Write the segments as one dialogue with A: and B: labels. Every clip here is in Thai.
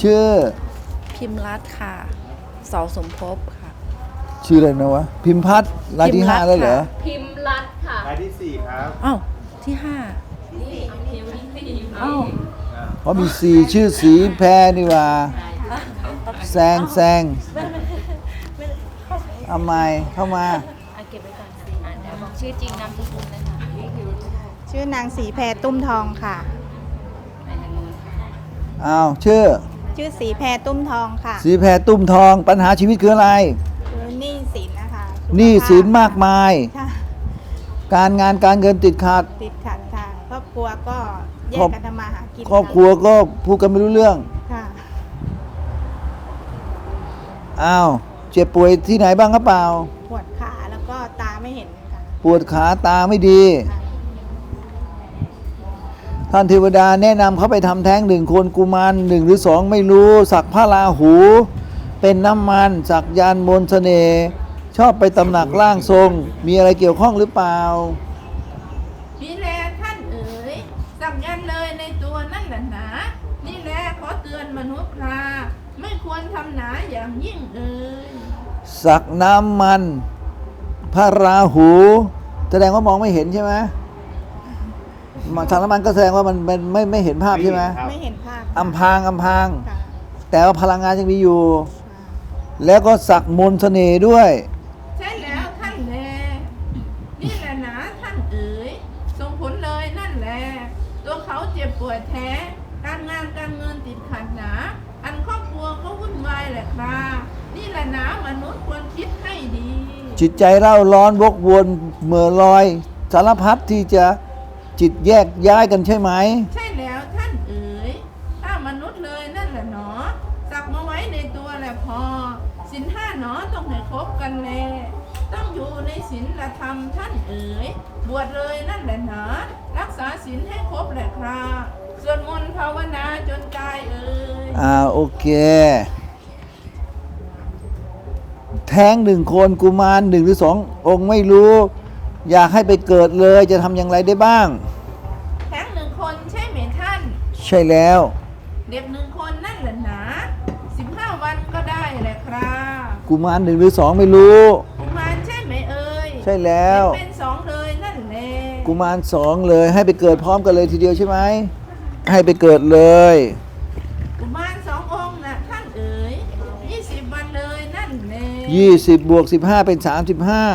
A: ชื่อ
B: พิมพ์รัตน์ค่ะเสาสมภพค่ะ
A: ชื่ออะไรนะวะพิมพัฒน์รายที่ 5แล้วเหรอ
C: พิมพ์รัตน์ค่ะ
D: รายที่ 4 ครับ
B: อ้าวที่5อ้าว
A: เพราะมีชื่อสีแพรนี่ว่าแซงเอาไมเข้ามา
C: เก็บไว้ก่อนสิเดี๋ยวบอกชื่อจริงนามสกุลเลยค่ะ
E: ชื่อนางสีแพรตุ้มทองค่ะ
A: อ้าวชื่อ
E: ชื่อสีแพรตุ้มทองค่ะ
A: สีแพรตุ้มทองปัญหาชีวิตคืออะไร
E: คือหนี้สินนะคะสุขภาพ
A: หนี้สินมากมาย
E: ค่ะ
A: การงานการเงินติดขัด
E: ติดขัดค่ะครอบครัวก็แยกกันทำมาหากิน
A: ครอบครัวก็พูดกันไม่รู้เรื่อง
E: ค่ะ
A: อ้าวเจ็บป่วยที่ไหนบ้างครับเปล่า
E: ปวดขาแล้วก็ตาไม่เห็นค่ะ
A: ปวดขาตาไม่ดี
E: ค่ะ
A: ท่านเทวดาแนะนำเขาไปทำแท้ง1 คนกุมาร1 หรือ 2 ไม่รู้ สักพระราหู เป็นน้ำมันสักยานมนต์เสน่ห์ชอบไปตำหนักร่างทรง มีอะไรเกี่ยวข้องหรือเปล่า
F: นี่แลท่านเอ๋ยสักยันเลยในตัวนั่นแหละหนานี่แลขอเตือนมนุษย์ราไม่ควรทำหนาอย่างยิ่งเอ๋ย
A: สักน้ำมัน พระราหู แสดงว่ามองไม่เห็นใช่ไหมสักน้ำมันก็แสดงว่ามันไม่เห็นภาพใช่ไหม
D: ครับ
E: ไม่เห็นภาพ
A: อำพราง
E: ค่ะ
A: แต่ว่าพลังงานยังมีอยู่
E: ค่ะ
A: แล้วก็สักมนต์เสน่ห์ด้วย
F: ใช่แล้วท่านแลนี่แหละหนาท่านเอ๋ยส่งผลเลยนั่นแหละตัวเขาเจ็บปวดแท้ การงานการเงินติดขัดหนาอันครอบครัวก็วุ่นวายแหละครับนี่แหละหนามนุษย์ควรคิดให้ดี
A: จิตใจเร่าร้อนวกวนเหม่อลอย สารพัดที่จะจิตแยกย้ายกันใช่ไหม
F: ใช่แล้วท่านเอ๋ยถ้ามนุษย์เลยนั่นแหละหนอสักมาไว้ในตัวแหละพอศีล5หนอต้องให้ครบกันแลต้องอยู่ในศีลธรรมท่านเอ๋ยบวชเลยนั่นแหละหนอรักษาศีลให้ครบแหละครับสวดมนต์ภาวนาจนกายเอ๋ย
A: โอเค แท้ง1 คนกุมาร1 หรือ 2 องค์ไม่รู้ อยากให้ไปเกิดเลยจะทำอย่างไรได้บ้าง
F: แท้ง1 คนใช่ไหมท่าน
A: ใช่แล้ว
F: เด็ก1 คนนั่นแหละหนา15 วันก็ได้แหละครับ
A: กุมาร1 หรือ 2 ไม่รู้
F: กุมารใช่ไหมเอ่ย
A: ใช่แล้ว
F: เป็น2เลยนั่นแหละ
A: กุมาร2เลยให้ไปเกิดพร้อมกันเลยทีเดียวใช่ไหมให้ไปเกิดเลย
F: กุมาร2 องค์นะท่านเอ๋ย20 วันเลยนั่นแหละ
A: 20 บวก 15 เป็น 35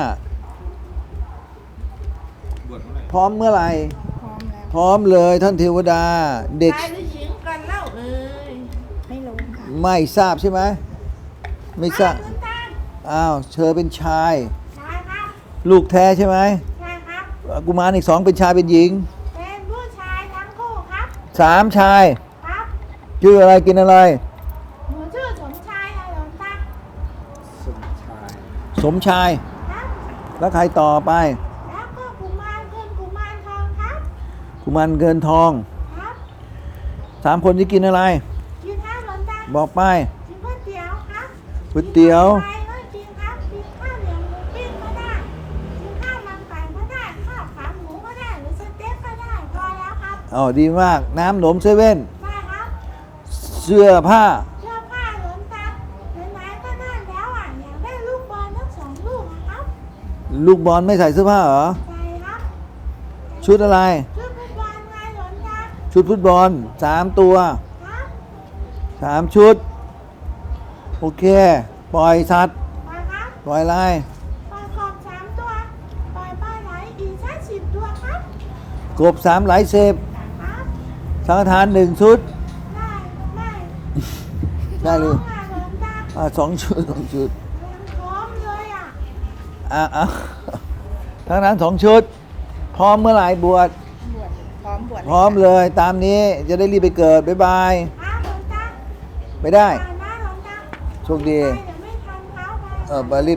D: บวชเมื่อไหร่
A: พร้อมเมื่อไหร่
E: พร้อมแล้ว
A: พร้อมเลยท่านเทวดา เด็ก
F: ชายหรือหญิงกันเล่าเอ่ย
E: ไม่รู้ค่ะ
A: ไม่ทราบใช่ไหมไม่ทราบ
F: คุณตา
A: อ้าวเธอเป็นชาย
F: ชายครับ
A: ลูกแท้ใช่ไหม
F: ชายครับ
A: กุมารอีก 2 เป็นชายเป็นหญิง
F: เป็นผู้ชายทั้งคู่ครับ
A: 3 ชาย
F: ครับ
A: ชื่ออะไรกินอะไร
F: หนูชื่อสมชายค่ะหลวงตา
D: สมชาย
A: สมชาย
F: ครับ
A: แล้วใครต่อไป
F: แล้วก็กุมารคือกุมารทองครับ
A: กุมารเงินทอง
F: ครับ
A: 3 คนที่กินอะไร
F: กินข้าวหลวงตา
A: บอกไป
F: กินก๋วยเตี๋ยวครับ
A: ก๋วยเตี๋ยว
F: ไปก็กินครับกินข้าวเหนียวหมูปิ้งก็ได้กินข้าวมันไก่ก็ได้ข้าวขาหมูก็ได้หรือสเต็กก็ได้พอแล้วครับ
A: อ๋อดีมากน้ำหนมเซเว่น
F: ได้ครับ
A: เสื้อผ้า
F: เสื้อผ้าหลวงตาไหนๆก็นั่นแล้วอ่ะอยากได้ลูกบอลทั้ง2 ลูกนะครับ
A: ลูกบอลไม่ใส่เสื้อผ้าเหรอ
F: ใส่ครับ
A: ชุดอะไร
F: ชุดฟุตบอลไงหลวงตา
A: ชุดฟุตบอล3 ตัว
F: ครับ
A: 3 ชุด โอเค ปล่อยสัตว์
F: ไปครับ
A: ปล่อยอะไร
F: ปล่อยกบ3 ตัวปล่อยปลาไหลอีกสัก10 ตัวครับ
A: กบ3ไหลเสพ
F: ครับ
A: สังฆทาน1 ชุด
F: ได้ไม่
A: ได้เลย
F: พร้อมอ่ะหลวงตา
A: 2 ชุด 2 ชุด
F: พร้อมเลยอ่ะ
A: อ่ะทั้งนั้น 2 ชุด พร้อมเมื่อไหร่บวช
E: บวชพร้อมบวช
A: พร้อมเลยตามนี้จะได้รีบไปเกิด บ๊ายบาย
F: ครับหลวงตา
A: ไปได้
F: ไปนะหลวงตา
A: โชคดี
F: ไปเดี๋ยวไม่ทันเขาไป
A: ไปรีบ